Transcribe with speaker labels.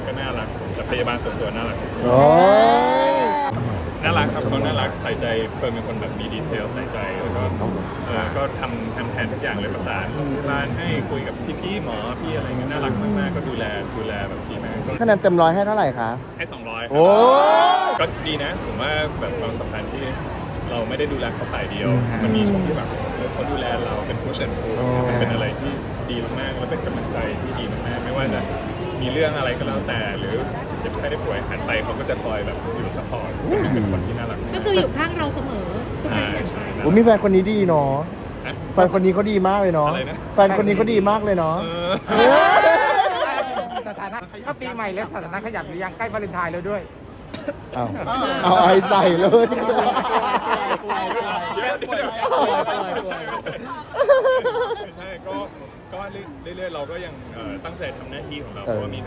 Speaker 1: ก็น่ารักแต่พยาบาลส่วนตัวน่ารักที่สุด
Speaker 2: โอ้ย
Speaker 1: น่ารักครับเขาน่ารักใส่ใจเฟิร์นเป็นคนแบบมีดีเทลใส่ใจแล้วก็ก็ทำแทนทุกอย่างเลยประสานโรงพยาบาลให้คุยกับพี่หมอพี่อะไรเงี้ยน่ารักมากๆก็ดูแลแบบดีมาก
Speaker 2: คะแนนเต็ม100ให้เท่าไหร่คะ
Speaker 1: ให้200
Speaker 2: โอ้ย
Speaker 1: ก็ดีนะผมว่าแบบความสัมพันธ์ที่เราไม่ได้ดูแลเขาฝ่ายเดียว มันมีช่วงที่แบบเขาดูแลเราเป็นผู้เชิญผู้มันเป็นอะไรที่ดีมากๆแล้วเป็นกำลังใจที่ดีมากๆไม่ว่าจะมีเรื่องอะไรก็แล้วแต่หรือเจ็บไข้ได้ป่วยหันไปเขาก็จะคอยแบบอยู่ซัพพอร์ตเป็นคนที่น่ารัก
Speaker 3: ก็คืออยู่ข้างเราเสมอทุกครั้งที่ไป
Speaker 2: โอ้มีแฟนคนนี้ดีเนาะ
Speaker 1: นะ
Speaker 2: แฟนคนนี้เขาดีมากเลยเนาะ
Speaker 1: อะไรนะ
Speaker 2: แฟนคนนี้เขาดีมากเลยเนาะ
Speaker 1: เออ
Speaker 4: สถานะก็ปีใหม่แล้วสถานะขยับหรือยังใกล้วาเลนไทน์แล้วด้วย
Speaker 2: เอาไอใส่เลย
Speaker 1: ไม่ใช่ก็เรื่อยๆเราก็ยังตั้งใจทำหน้าที่ของเราเพราะว่ามี